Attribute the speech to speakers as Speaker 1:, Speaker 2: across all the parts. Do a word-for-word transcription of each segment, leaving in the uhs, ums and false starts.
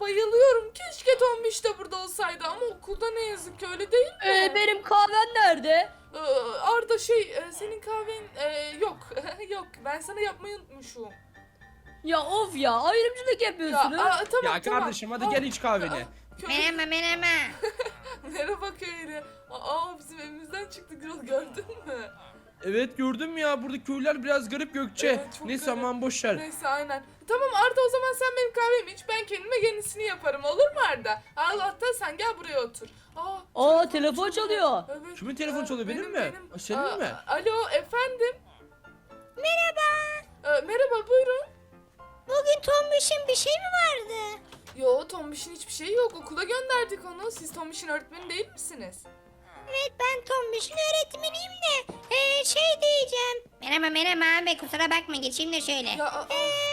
Speaker 1: bayılıyorum. Keşke Tombiş de burada olsaydı ama okulda ne yazık ki öyle değil mi?
Speaker 2: Ee, benim kahven nerede?
Speaker 1: Ee, Arda şey e, senin kahven e, yok. Yok, ben sana yapmayı unutmuşum.
Speaker 2: Ya of ya, ayrımcılık
Speaker 1: Ya,
Speaker 2: yapıyorsunuz.
Speaker 1: aa, tamam
Speaker 3: Ya
Speaker 1: tamam.
Speaker 3: kardeşim hadi
Speaker 1: Aa,
Speaker 3: gel iç kahveni.
Speaker 1: aa, köy-
Speaker 4: Merhaba merhaba.
Speaker 1: Merhaba köylü. Aa, bizim evimizden çıktı Gürol, gördün mü?
Speaker 3: Evet gördüm ya, burada köylüler biraz garip Gökçe.
Speaker 1: Evet, çok
Speaker 3: Neyse
Speaker 1: garip.
Speaker 3: aman boş ver.
Speaker 1: Neyse aynen. Tamam Arda, o zaman sen benim kahvemi iç, ben kendime yenisini yaparım, olur mu Arda? Al, hatta sen gel buraya otur. Aa,
Speaker 2: Aa, telefon çalıyor.
Speaker 1: Evet.
Speaker 3: Kimin telefonu
Speaker 1: Aa,
Speaker 3: çalıyor, benim mi? Aa, senin
Speaker 1: Aa,
Speaker 3: mi?
Speaker 1: Alo efendim. Merhaba. Ee, merhaba, buyurun.
Speaker 4: Bugün Tombiş'in bir şey mi vardı?
Speaker 1: Yo, Tombiş'in hiçbir şeyi yok, okula gönderdik onu. Siz Tombiş'in öğretmeni değil misiniz?
Speaker 4: Evet ben Tombiş'in öğretmeniyim de ee, şey diyeceğim. Merhaba merhaba abi kusura bakma geçeyim de şöyle.
Speaker 1: Ya aa,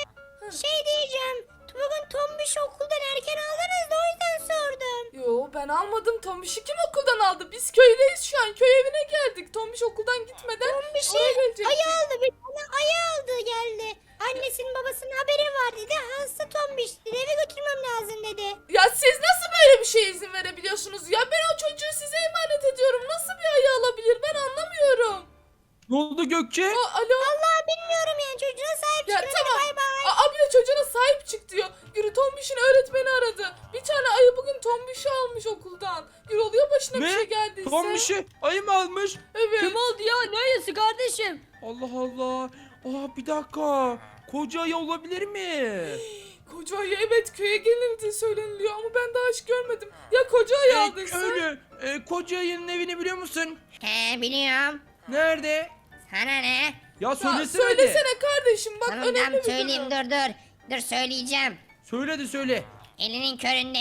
Speaker 4: Şey diyeceğim. Bugün Tombiş'i okuldan erken aldınız da o yüzden sordum.
Speaker 1: yo, ben almadım. Tombiş'i kim okuldan aldı? Biz köydeyiz şu an, köy evine geldik. Tombiş okuldan gitmeden
Speaker 4: Tombiş'i
Speaker 1: oraya gelecek.
Speaker 4: ayı aldı bir tane ayı aldı geldi. Annesinin babasının haberi var dedi. Hasta Tombiş dedi eve götürmem lazım dedi.
Speaker 1: Ya siz nasıl böyle bir şeye izin verebiliyorsunuz? Ya ben o çocuğu size emanet ediyorum. Nasıl bir ayı alabilir? Ben anlamıyorum.
Speaker 3: Ne oldu Gökçe?
Speaker 1: Aa, alo.
Speaker 4: Allah bilmiyorum yani çocuğuna sahip
Speaker 1: Ya
Speaker 4: çıkın.
Speaker 1: tamam.
Speaker 4: Bay bay.
Speaker 1: Aa, abla çocuğuna sahip çık diyor. Yürü, Tombiş'in öğretmeni aradı. Bir tane ayı bugün Tombiş'i almış okuldan. Yürü, oluyor başına bir
Speaker 3: Ne?
Speaker 1: şey geldiyse.
Speaker 3: Tombiş'i ayı mı almış?
Speaker 1: Evet.
Speaker 2: Kim oldu ya? Ne ayısı kardeşim?
Speaker 3: Allah Allah. Aa bir dakika. Koca ayı olabilir mi?
Speaker 1: Koca ayı, evet, köye gelirdi söyleniliyor ama ben daha hiç görmedim. Ya koca ayı
Speaker 3: Ey
Speaker 1: aldıysa?
Speaker 3: köylü. E, koca ayının evini biliyor musun?
Speaker 4: He biliyorum.
Speaker 3: Nerede?
Speaker 4: Sana ne?
Speaker 3: Ya
Speaker 1: Ya
Speaker 3: söylesene hadi.
Speaker 1: söylesene kardeşim, bak
Speaker 4: Tamam
Speaker 1: önemli
Speaker 4: tamam
Speaker 1: bir
Speaker 4: söyleyeyim
Speaker 1: konu.
Speaker 4: dur dur. Dur söyleyeceğim.
Speaker 3: Söyle hadi söyle.
Speaker 4: Elinin köründe.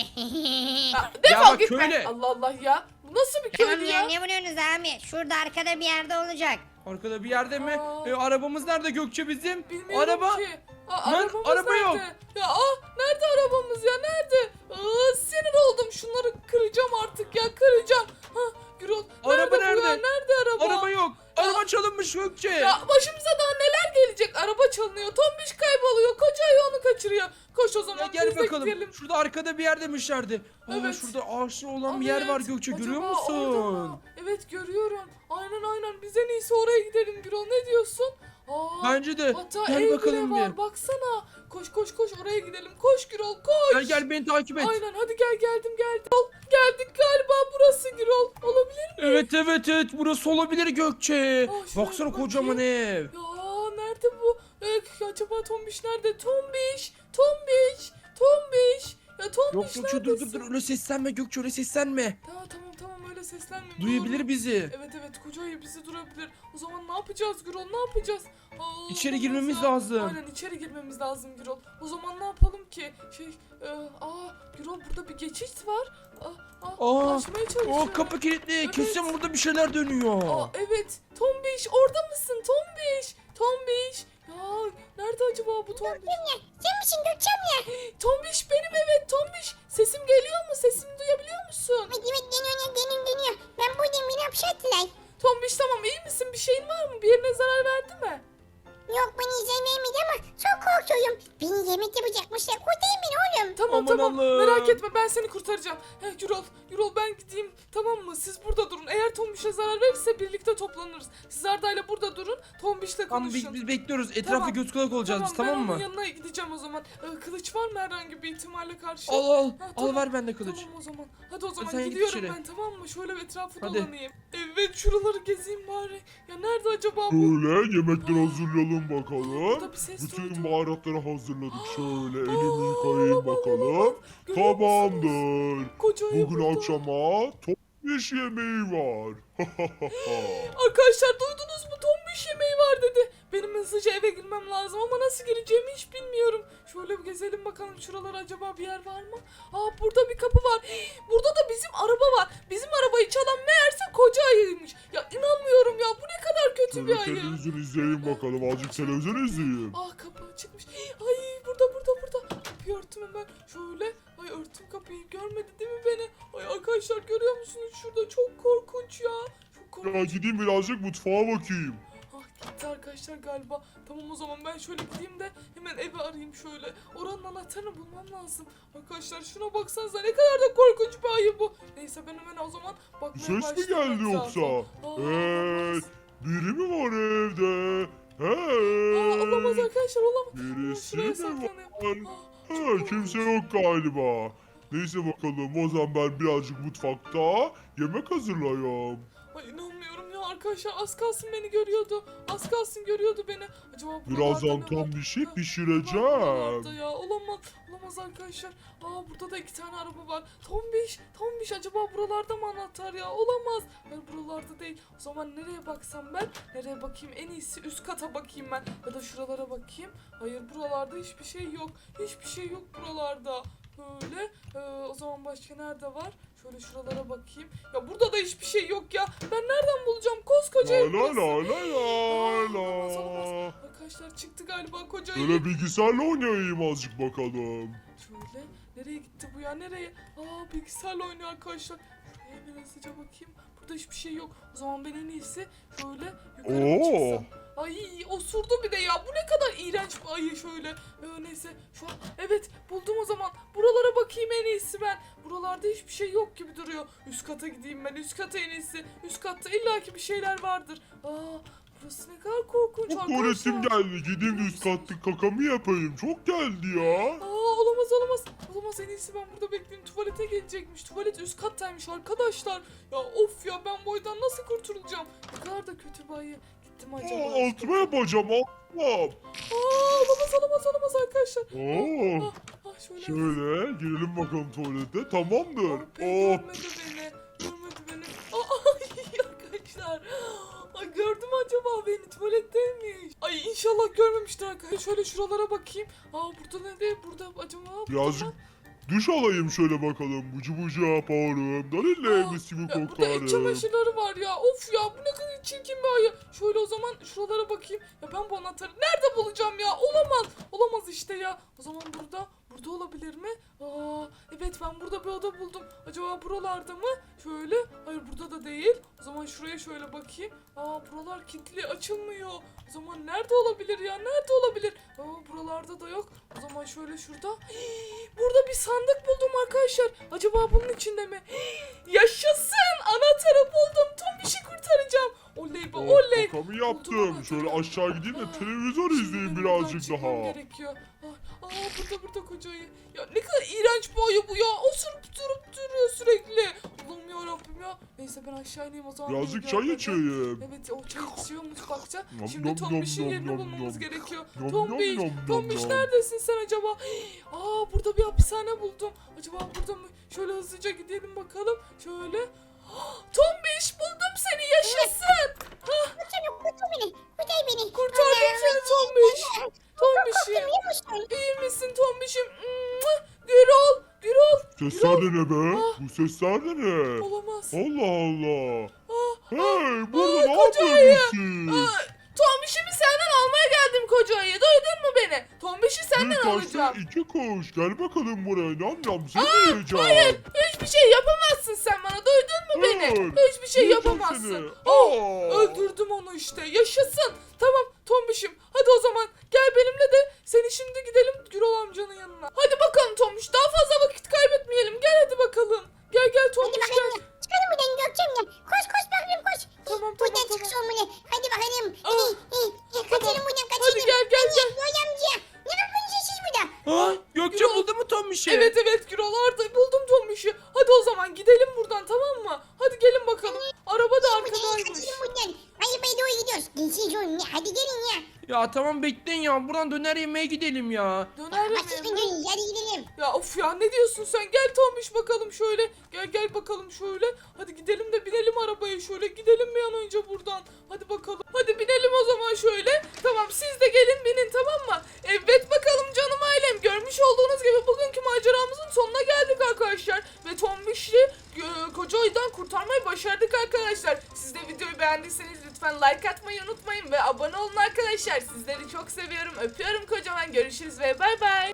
Speaker 1: Ya,
Speaker 3: Ya
Speaker 1: defol
Speaker 3: bak
Speaker 1: gitme.
Speaker 3: köylü.
Speaker 1: Allah Allah ya. Bu nasıl bir
Speaker 4: Tamam
Speaker 1: köylü
Speaker 4: ya
Speaker 1: ya?
Speaker 4: ne vuruyorsunuz abi? Şurada arkada bir yerde olacak.
Speaker 3: Arkada bir yerde mi?
Speaker 1: Aa.
Speaker 3: E, arabamız nerede Gökçe bizim?
Speaker 1: Bilmiyorum
Speaker 3: Araba.
Speaker 1: ki. Aa,
Speaker 3: Lan,
Speaker 1: arabamız
Speaker 3: araba
Speaker 1: nerede?
Speaker 3: yok.
Speaker 1: Ya aa, nerede arabamız ya, nerede? Aa, sinir oldum, şunları kıracağım artık ya, kıracağım. Ha, Gürol,
Speaker 3: Araba
Speaker 1: nerede bu ya?
Speaker 3: nerede?
Speaker 1: Nerede araba?
Speaker 3: Araba yok. Araba çalınmış Gökçe.
Speaker 1: Ya başımıza daha neler gelecek? Araba çalınıyor, Tombiş kayboluyor, koca ayı onu kaçırıyor. Koş o zaman,
Speaker 3: Ya gel
Speaker 1: biz de
Speaker 3: bakalım.
Speaker 1: gidelim.
Speaker 3: Şurada arkada bir yer demişlerdi. Aa,
Speaker 1: Evet.
Speaker 3: şurada ağaçlı olan
Speaker 1: Aa,
Speaker 3: bir yer
Speaker 1: evet.
Speaker 3: var Gökçe, görüyor
Speaker 1: Acaba orada
Speaker 3: musun?
Speaker 1: mı? Evet, görüyorum. Aynen aynen, biz en iyisi oraya gidelim Gürol, ne diyorsun? Aa,
Speaker 3: Bence de.
Speaker 1: hatta
Speaker 3: Gel
Speaker 1: ev
Speaker 3: bakalım
Speaker 1: bile var,
Speaker 3: bir.
Speaker 1: baksana. Koş koş koş, oraya gidelim. Koş Gürol, koş.
Speaker 3: Gel gel beni takip et.
Speaker 1: Aynen, hadi gel, geldim geldim. Gürol, geldik galiba, burası Gürol. Olabilir mi?
Speaker 3: Evet evet evet, burası olabilir Gökçe.
Speaker 1: Aa, şuraya
Speaker 3: Baksana
Speaker 1: bakayım.
Speaker 3: kocaman ev.
Speaker 1: Ya nerede bu? Ee, acaba Tombiş nerede? Tombiş, Tombiş, Tombiş. Ya Tombiş
Speaker 3: Yok Gökçe, dur dur
Speaker 1: neredesin?
Speaker 3: dur, öyle seslenme Gökçe, öyle seslenme.
Speaker 1: Tamam tamam tamam, öyle seslenmeyeyim.
Speaker 3: Duyabilir bizi.
Speaker 1: Evet evet, koca ayı bizi durabilir. O zaman ne yapacağız Gürol, ne yapacağız? Aa,
Speaker 3: İçeri
Speaker 1: olmaz
Speaker 3: girmemiz
Speaker 1: ya.
Speaker 3: lazım.
Speaker 1: Aynen, içeri girmemiz lazım Gürol. O zaman ne yapalım ki? Şey, e, aa Gürol, burada bir geçit var. Aa, aa,
Speaker 3: Aa,
Speaker 1: açmaya çalışıyorum.
Speaker 3: O kapı kilitli.
Speaker 1: Evet.
Speaker 3: Kesin burada bir şeyler dönüyor.
Speaker 1: Aa, evet, Tombiş orada mısın Tombiş? Tombiş. Ya nerede acaba bu Tombiş?
Speaker 4: Sen misin Gökçem ya?
Speaker 1: Tombiş benim, evet Tombiş. Sesim geliyor mu? Sesimi duyabiliyor musun?
Speaker 4: Evet deniyor ya deniyor deniyor. Ben buradayım beni hapşattılar.
Speaker 1: Tombiş tamam, iyi misin? Bir şeyin var mı? Bir yerine zarar verdi mi?
Speaker 4: Yok beni izin vermedi ama çok korkuyorum. Beni yemek yapacakmışlar. Kurtarın beni oğlum.
Speaker 1: Tamam
Speaker 3: Aman
Speaker 1: tamam,
Speaker 3: Allah'ım.
Speaker 1: merak etme, ben seni kurtaracağım. He Gürol, Gürol ben gideyim, tamam mı? Siz burada durun. Eğer Tombiş'e zarar verirse birlikte toplanırız. Siz Arda'yla burada durun, Tombiş'le
Speaker 3: Tamam
Speaker 1: konuşun.
Speaker 3: biz, biz bekliyoruz. Etrafa
Speaker 1: Tamam.
Speaker 3: göz kulak olacağız biz, tamam
Speaker 1: ben
Speaker 3: mı?
Speaker 1: onun yanına gideceğim o zaman. Ee, kılıç var mı herhangi bir ihtimalle karşı?
Speaker 3: Al al.
Speaker 1: Ha,
Speaker 3: Al
Speaker 1: tamam.
Speaker 3: ver bende kılıç.
Speaker 1: Tamam o zaman. Hadi o zaman
Speaker 3: sen git
Speaker 1: gidiyorum
Speaker 3: içeri.
Speaker 1: ben, tamam mı? Şöyle etrafı
Speaker 3: Hadi.
Speaker 1: dolanayım. Evet, şuraları gezeyim bari. Ya nerede acaba bu?
Speaker 5: Şöyle yemekleri hazırlayalım bakalım.
Speaker 1: Burada bir ses
Speaker 5: Bütün
Speaker 1: duydum.
Speaker 5: baharatları hazırladık. Şöyle
Speaker 1: Aa,
Speaker 5: elimi yıkayayım
Speaker 1: aman,
Speaker 5: bakalım.
Speaker 1: aman. Görüyor musunuz?
Speaker 5: Tamamdır.
Speaker 1: Koca ayı
Speaker 5: Bugün
Speaker 1: burada.
Speaker 5: akşama tombiş yemeği var.
Speaker 1: Arkadaşlar duydunuz mu? Tombiş yemeği var dedi. Benim hızlıca eve girmem lazım ama nasıl gireceğimi hiç bilmiyorum. Şöyle bir gezelim bakalım, şuralara acaba bir yer var mı? Aa, burada bir kapı var. Burada da bizim araba var. Bizim arabayı çalan meğerse koca ayıymış. Ya inanmıyorum ya, bu ne kadar kötü bir
Speaker 5: Şöyle
Speaker 1: ayı.
Speaker 5: televizyon izleyin bakalım. Azıcık televizyon izleyin.
Speaker 1: Ah, kapı açıkmış. Ay, burada burada burada. Kapıyı örtüm hemen. Şöyle. Ay, örtüm kapıyı. Görmedi değil mi beni? Ay arkadaşlar, görüyor musunuz? Şurada çok korkunç ya. Çok korkunç.
Speaker 5: Ya gideyim birazcık mutfağa bakayım.
Speaker 1: Ah, gittim. Evet arkadaşlar galiba. Tamam o zaman ben şöyle gideyim de hemen evi arayayım şöyle. Oranın anahtarını bulmam lazım. Arkadaşlar şuna baksanıza ne kadar da korkunç bir ayı bu. Neyse ben hemen o zaman bakmaya
Speaker 5: Bir ses mi
Speaker 1: başlayayım
Speaker 5: geldi yoksa?
Speaker 1: etrafa. Aa,
Speaker 5: Hey,
Speaker 1: olamaz.
Speaker 5: biri mi var evde?
Speaker 1: Aa, olamaz
Speaker 5: Hey,
Speaker 1: arkadaşlar olamaz.
Speaker 5: birisi
Speaker 1: Şuraya
Speaker 5: mi
Speaker 1: saklanayım.
Speaker 5: var?
Speaker 1: Aa, çok
Speaker 5: Ha,
Speaker 1: korkunç.
Speaker 5: kimse yok galiba. Neyse bakalım o zaman ben birazcık mutfakta yemek hazırlayayım.
Speaker 1: Ay inanmıyorum ya arkadaşlar az kalsın beni görüyordu. Az kalsın görüyordu beni. Acaba buralarda
Speaker 5: Birazdan
Speaker 1: ne var?
Speaker 5: tam bir şey
Speaker 1: Ha, buralarda
Speaker 5: pişireceğim.
Speaker 1: ya olamaz. Olamaz arkadaşlar. Aa burada da iki tane araba var. Tombiş, Tombiş acaba buralarda mı anahtar ya? Olamaz. Hayır buralarda değil. O zaman nereye baksam ben? Nereye bakayım? En iyisi üst kata bakayım ben. Ya da şuralara bakayım. Hayır buralarda hiçbir şey yok. Hiçbir şey yok buralarda. Böyle. Ee, o zaman başka nerede var? Şöyle şuralara bakayım. Ya burada da hiçbir şey yok ya. Ben nereden bulacağım? Koskoca
Speaker 5: La
Speaker 1: ev
Speaker 5: la
Speaker 1: burası.
Speaker 5: la la
Speaker 1: Aa,
Speaker 5: la
Speaker 1: olamaz,
Speaker 5: la.
Speaker 1: olamaz. Arkadaşlar çıktı galiba koca ev.
Speaker 5: Böyle bilgisayarla oynayayım azıcık bakalım.
Speaker 1: Şöyle nereye gitti bu ya nereye? Aa bilgisayarla oynuyor arkadaşlar. Şuraya hemen hızlıca bakayım. Burada hiçbir şey yok. O zaman ben en iyisi şöyle yukarı mı
Speaker 5: Oo.
Speaker 1: çıksam? Ay osurdu bir de ya. Bu ne kadar iğrenç bir ayı şöyle. Ee, neyse şu an evet buldum o zaman. Buralara bakayım en iyisi ben. Buralarda hiçbir şey yok gibi duruyor. Üst kata gideyim ben. Üst kata en iyisi. Üst katta illaki bir şeyler vardır. Aa burası ne kadar korkunç
Speaker 5: Çok
Speaker 1: arkadaşlar.
Speaker 5: tuvaletim geldi. Gideyim de üst katta kakamı yapayım. Çok geldi ya.
Speaker 1: Aa olamaz olamaz. Olamaz en iyisi ben burada bekleyeyim. Tuvalete gelecekmiş. Tuvalet üst kattaymış arkadaşlar. Ya of ya ben bu aydan nasıl kurtulacağım? Ne kadar da kötü bir ayı. Gittim acaba.
Speaker 5: Aa, altıma yapacağım altıma.
Speaker 1: Aa olamaz olamaz olamaz arkadaşlar.
Speaker 5: Oo.
Speaker 1: Ah, ah, şöyle.
Speaker 5: Şöyle girelim bakalım tuvalete. Tamamdır.
Speaker 1: Ah, be,
Speaker 5: Oh.
Speaker 1: görmedi beni. Görmedi beni. Aa, ay, arkadaşlar. Ay gördü mü acaba beni? Tuvaletteymiş. Ay inşallah görmemiştir arkadaşlar. Şöyle şuralara bakayım. Aa burada ne de burada acaba? Burada
Speaker 5: Birazcık
Speaker 1: mı?
Speaker 5: duş alayım şöyle bakalım. Bucu bucu yaparım. Dalille
Speaker 1: Aa,
Speaker 5: mis gibi
Speaker 1: Ya burada iç
Speaker 5: kokarım.
Speaker 1: çamaşırları var ya. Of ya bu ne kadar çirkin bir ayı. Şöyle o zaman şuralara bakayım. Ya ben bu anahtarı nerede bulacağım ya? Olamaz. Olamaz işte ya. O zaman burada. Burada olabilir mi? Aa, evet ben burada bir oda buldum. Acaba buralarda mı? Şöyle. Hayır burada da değil. O zaman şuraya şöyle bakayım. Aa buralar kilitli açılmıyor. O zaman nerede olabilir ya? Nerede olabilir? Aa buralarda da yok. O zaman şöyle şurada. Hii, burada bir sandık buldum arkadaşlar. Acaba bunun içinde mi? Hii, yaşasın! Anahtarı buldum. Tombiş'i kurtaracağım. Oley be
Speaker 5: Oh,
Speaker 1: oley.
Speaker 5: kakamı
Speaker 1: Buldum
Speaker 5: yaptım.
Speaker 1: anahtarı.
Speaker 5: Şöyle aşağı gideyim de
Speaker 1: Aa,
Speaker 5: televizyon
Speaker 1: Şimdi
Speaker 5: izleyeyim
Speaker 1: benim buradan
Speaker 5: birazcık
Speaker 1: çıkmam
Speaker 5: daha.
Speaker 1: gerekiyor. Aa, aa burada burada koca ayı. Ya ne kadar iğrenç bir ayı bu ya. Osurup durup duruyor sürekli. Allah'ım ya Rabbim ya. Neyse ben aşağı ineyim o zaman. beni
Speaker 5: Birazcık çay
Speaker 1: görmeden.
Speaker 5: içeyim.
Speaker 1: Evet o çay içiyor mutfakta.
Speaker 5: Nom
Speaker 1: Şimdi
Speaker 5: nom
Speaker 1: Tombiş'in
Speaker 5: nom
Speaker 1: yerini
Speaker 5: nom
Speaker 1: bulmamız
Speaker 5: nom.
Speaker 1: gerekiyor.
Speaker 5: Nom
Speaker 1: Tombiş,
Speaker 5: nom nom
Speaker 1: Tombiş
Speaker 5: nom.
Speaker 1: neredesin sen acaba? Aa burada bir hapishane buldum. Acaba burada mı? Şöyle hızlıca gidelim bakalım. Şöyle. Tombiş buldum seni yaşasın.
Speaker 4: Kurtar, kurtar beni. Kurtar beni.
Speaker 1: Kurtardım seni Tombiş. Tombiş'im.
Speaker 4: Biliyor musun?
Speaker 1: İyi misin Tombiş'im? Mua! Gürol, Gürol.
Speaker 5: Sesler de ne be?
Speaker 1: Ah.
Speaker 5: Bu sesler de ne?
Speaker 1: Olamaz.
Speaker 5: Allah Allah.
Speaker 1: Ah,
Speaker 5: Hey burada
Speaker 1: Aa,
Speaker 5: ne
Speaker 1: koca ayı.
Speaker 5: yapıyorsun siz?
Speaker 1: Aa, Tombiş'imi senden almaya geldim koca ayı. Duydun mu beni? Tombiş'i
Speaker 5: Bir
Speaker 1: senden
Speaker 5: taşla
Speaker 1: alacağım.
Speaker 5: iki kuş. Gel bakalım buraya. Nam nam seni yiyeceğim.
Speaker 1: Hayır, hiçbir şey yapamazsın sen bana. Duydun mu beni?
Speaker 5: Hayır,
Speaker 1: Hiçbir şey
Speaker 5: yiyeceğim
Speaker 1: yapamazsın.
Speaker 5: seni.
Speaker 1: Oh,
Speaker 5: Aa.
Speaker 1: öldürdüm onu işte. Yaşasın. Tamam Tombiş'im. Hadi o zaman gel benimle de seni şimdi gidelim Gürol amcanın yanına. Hadi bakalım Tombiş. Daha fazla vakit kaybetmeyelim. Gel hadi bakalım. Gel gel
Speaker 4: Hadi
Speaker 1: Tombiş
Speaker 4: bakalım.
Speaker 1: gel.
Speaker 4: Çıkalım buradan Gökçem ya. Koş koş bakalım koş.
Speaker 1: Tamam tamam
Speaker 4: Buradan
Speaker 1: tamam.
Speaker 4: çıksın bunu. Hadi bakalım.
Speaker 1: Aa,
Speaker 4: İyi, iyi. Kaçalım buradan kaçalım.
Speaker 1: Hadi gel gel gel.
Speaker 4: Yoy amca. Ne yapıyorsunuz siz burada?
Speaker 3: Ha, Gökçe
Speaker 1: Gürol.
Speaker 3: buldu mu Tombiş'i?
Speaker 1: Evet evet Gürol Arda buldum Tombiş'i. Hadi o zaman gidelim buradan tamam mı? Hadi gelin bakalım. Araba da arkadaymış.
Speaker 4: Kaçalım buradan. Arabaya doğru gidiyoruz. Gelsin sonra. Hadi gelin ya.
Speaker 3: Ya tamam bekleyin ya. Buradan döner yemeye gidelim ya.
Speaker 1: Döner mi?
Speaker 4: Açık dönüyoruz. Hadi gidelim.
Speaker 1: Ya of ya ne diyorsun sen? Gel Tombiş bakalım şöyle. Gel gel bakalım şöyle. Hadi gidelim de binelim arabaya şöyle. Gidelim bir an önce buradan. Hadi bakalım. Hadi binelim o zaman şöyle. Tamam siz de gelin binin tamam mı? Evet bakalım canım ailem. Görmüş olduğunuz gibi bugünkü maceramızın sonuna geldik arkadaşlar. Ve Tombiş'i e, koca ayıdan kurtarmayı başardık arkadaşlar. Siz de videoyu beğendiyseniz lütfen like atmayı unutmayın ve abone olun arkadaşlar. Sizleri çok seviyorum. Öpüyorum kocaman. Görüşürüz ve bay bay.